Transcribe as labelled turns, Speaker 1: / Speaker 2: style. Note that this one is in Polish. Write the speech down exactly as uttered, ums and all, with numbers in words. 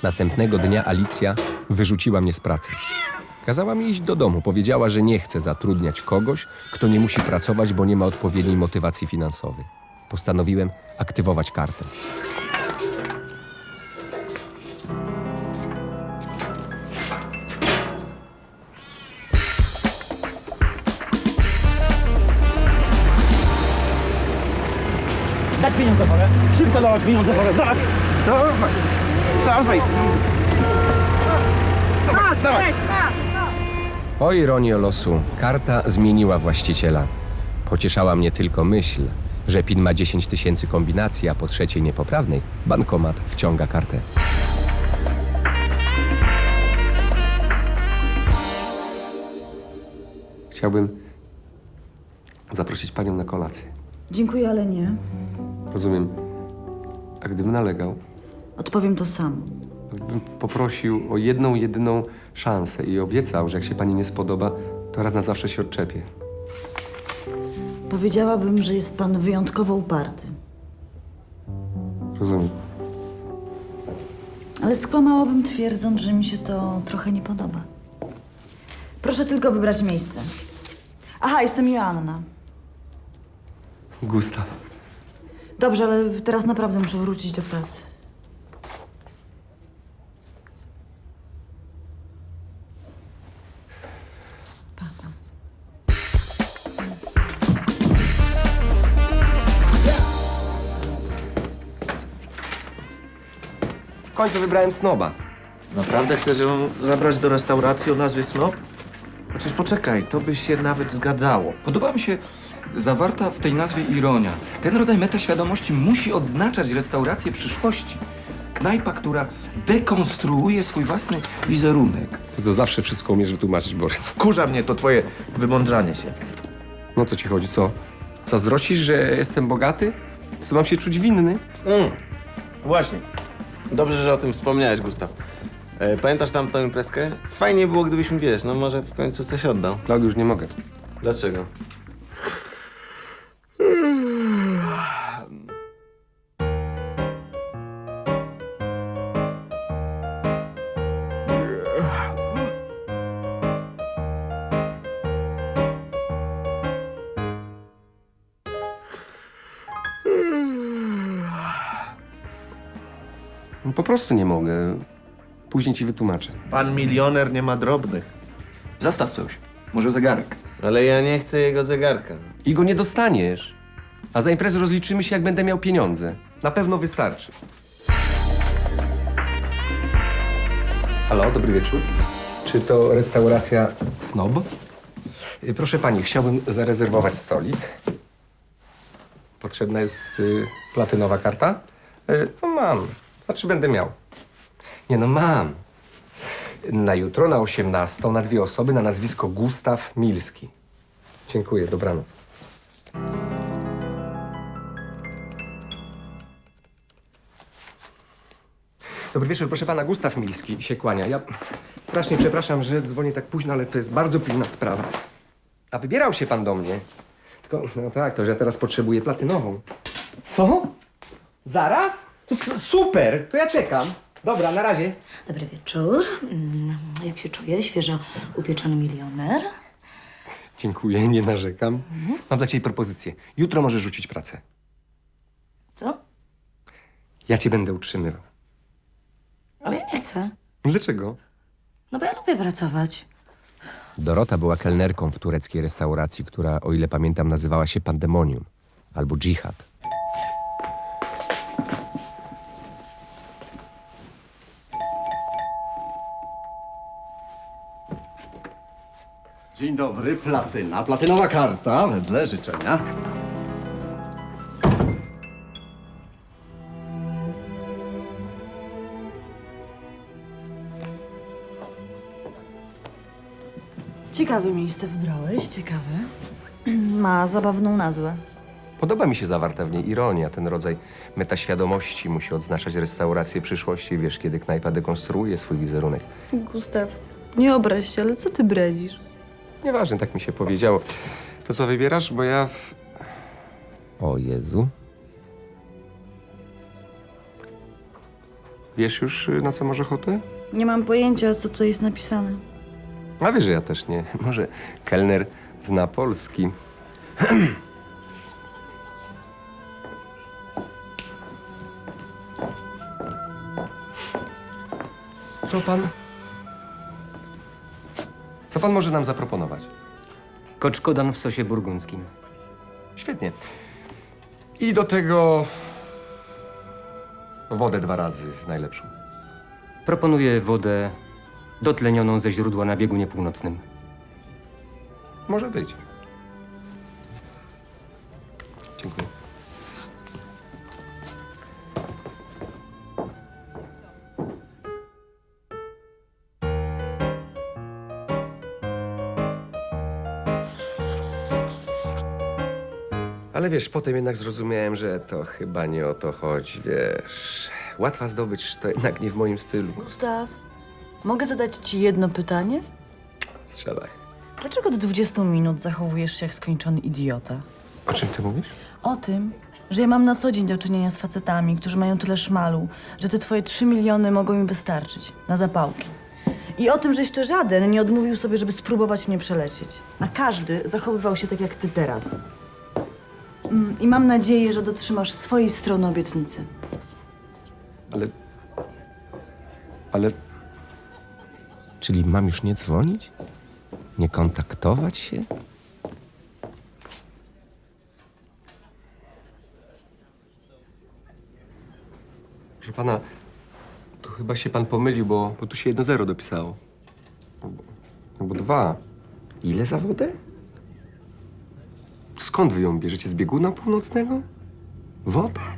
Speaker 1: Następnego dnia Alicja wyrzuciła mnie z pracy. Kazała mi iść do domu. Powiedziała, że nie chce zatrudniać kogoś, kto nie musi pracować, bo nie ma odpowiedniej motywacji finansowej. Postanowiłem aktywować kartę.
Speaker 2: Dać pieniądze wolę. Szybko dawać pieniądze wolę. Tak. Dawaj. Dawaj. Dawaj. Dawaj.
Speaker 1: O ironio losu, karta zmieniła właściciela. Pocieszała mnie tylko myśl, że PIN ma dziesięć tysięcy kombinacji, a po trzeciej niepoprawnej bankomat wciąga kartę.
Speaker 3: Chciałbym zaprosić panią na kolację.
Speaker 4: Dziękuję, ale nie.
Speaker 3: Rozumiem. A gdybym nalegał,
Speaker 4: Odpowiem to samo.
Speaker 3: gdybym poprosił o jedną, jedyną szansę i obiecał, że jak się pani nie spodoba, to raz na zawsze się odczepię.
Speaker 4: Powiedziałabym, że jest pan wyjątkowo uparty.
Speaker 3: Rozumiem.
Speaker 4: Ale skłamałabym, twierdząc, że mi się to trochę nie podoba. Proszę tylko wybrać miejsce. Aha, jestem Joanna.
Speaker 3: Gustaw.
Speaker 4: Dobrze, ale teraz naprawdę muszę wrócić do pracy. Pa.
Speaker 3: W końcu wybrałem snoba.
Speaker 5: Naprawdę chcesz ją zabrać do restauracji o nazwie Snob? Chociaż poczekaj, to by się nawet zgadzało.
Speaker 6: Podoba mi się zawarta w tej nazwie ironia. Ten rodzaj metaświadomości musi odznaczać restaurację przyszłości. Knajpa, która dekonstruuje swój własny wizerunek.
Speaker 3: Ty to zawsze wszystko umiesz wytłumaczyć, Borys.
Speaker 5: Wkurza mnie to twoje wymądrzanie się.
Speaker 3: No co ci chodzi, co? Zazdrościsz, że jestem bogaty? Co mam się czuć winny?
Speaker 7: Mm, właśnie. Dobrze, że o tym wspomniałeś, Gustaw. E, pamiętasz tamtą imprezkę? Fajnie było, gdybyś mi, wiesz, no może w końcu coś oddał.
Speaker 3: Klaudiusz, nie mogę.
Speaker 7: Dlaczego?
Speaker 3: No, po prostu nie mogę. Później ci wytłumaczę.
Speaker 5: Pan milioner nie ma drobnych.
Speaker 6: Zastaw coś. Może zegarek.
Speaker 7: Ale ja nie chcę jego zegarka.
Speaker 3: I go nie dostaniesz. A za imprezę rozliczymy się, jak będę miał pieniądze. Na pewno wystarczy. Halo, dobry wieczór. Czy to restauracja Snob? Y, Proszę pani, chciałbym zarezerwować stolik. Potrzebna jest y, platynowa karta? Y, no mam. Znaczy będę miał. Nie no, mam. Na jutro, na osiemnastą, na dwie osoby, na nazwisko Gustaw Milski. Dziękuję, dobranoc. Dobry wieczór, proszę pana, Gustaw Milski się kłania. Ja strasznie przepraszam, że dzwonię tak późno, ale to jest bardzo pilna sprawa. A wybierał się pan do mnie. Tylko, no tak, to że ja teraz potrzebuję platynową. Co? Zaraz? To s- super, to ja czekam. Dobra, na razie.
Speaker 8: Dobry wieczór. Mm, Jak się czuje? Świeżo upieczony milioner.
Speaker 3: Dziękuję, nie narzekam. Mam dla ciebie propozycję. Jutro możesz rzucić pracę.
Speaker 8: Co?
Speaker 3: Ja cię będę utrzymywał.
Speaker 8: Ale ja nie chcę.
Speaker 3: Dlaczego?
Speaker 8: No bo ja lubię pracować.
Speaker 1: Dorota była kelnerką w tureckiej restauracji, która, o ile pamiętam, nazywała się Pandemonium albo Dżihad.
Speaker 2: Dzień dobry, platyna. Platynowa karta, wedle życzenia.
Speaker 4: Ciekawe miejsce wybrałeś, ciekawe. Ma zabawną nazwę.
Speaker 3: Podoba mi się zawarta w niej ironia. Ten rodzaj metaświadomości musi odznaczać restaurację przyszłości. Wiesz, kiedy knajpa dekonstruuje swój wizerunek.
Speaker 4: Gustaw, nie obraź się, ale co ty bredzisz?
Speaker 3: Nieważne, tak mi się powiedziało. To co wybierasz? Bo ja... w-
Speaker 1: O Jezu.
Speaker 3: Wiesz już, y, na co masz ochotę?
Speaker 4: Nie mam pojęcia, co tutaj jest napisane.
Speaker 3: A wiesz, że ja też nie. Może kelner zna polski. Co pan? Co pan może nam zaproponować?
Speaker 9: Koczkodan w sosie burgundzkim.
Speaker 3: Świetnie. I do tego wodę dwa razy najlepszą.
Speaker 9: Proponuję wodę dotlenioną ze źródła na biegunie północnym.
Speaker 3: Może być. Dziękuję. Ale wiesz, potem jednak zrozumiałem, że to chyba nie o to chodzi, wiesz. Łatwa zdobycz to jednak nie w moim stylu.
Speaker 4: Gustaw, mogę zadać ci jedno pytanie?
Speaker 3: Strzelaj.
Speaker 4: Dlaczego do dwudziestu minut zachowujesz się jak skończony idiota?
Speaker 3: O czym ty mówisz?
Speaker 4: O tym, że ja mam na co dzień do czynienia z facetami, którzy mają tyle szmalu, że te twoje trzy miliony mogą im wystarczyć na zapałki. I o tym, że jeszcze żaden nie odmówił sobie, żeby spróbować mnie przelecieć. A każdy zachowywał się tak jak ty teraz. Mm, I mam nadzieję, że dotrzymasz swojej strony obietnicy.
Speaker 3: Ale... Ale...
Speaker 1: Czyli mam już nie dzwonić? Nie kontaktować się?
Speaker 3: Proszę pana, tu chyba się pan pomylił, bo, bo tu się jedno zero dopisało. Albo, albo dwa. Ile za wodę? Skąd wy ją bierzecie? Z bieguna północnego? Wodę?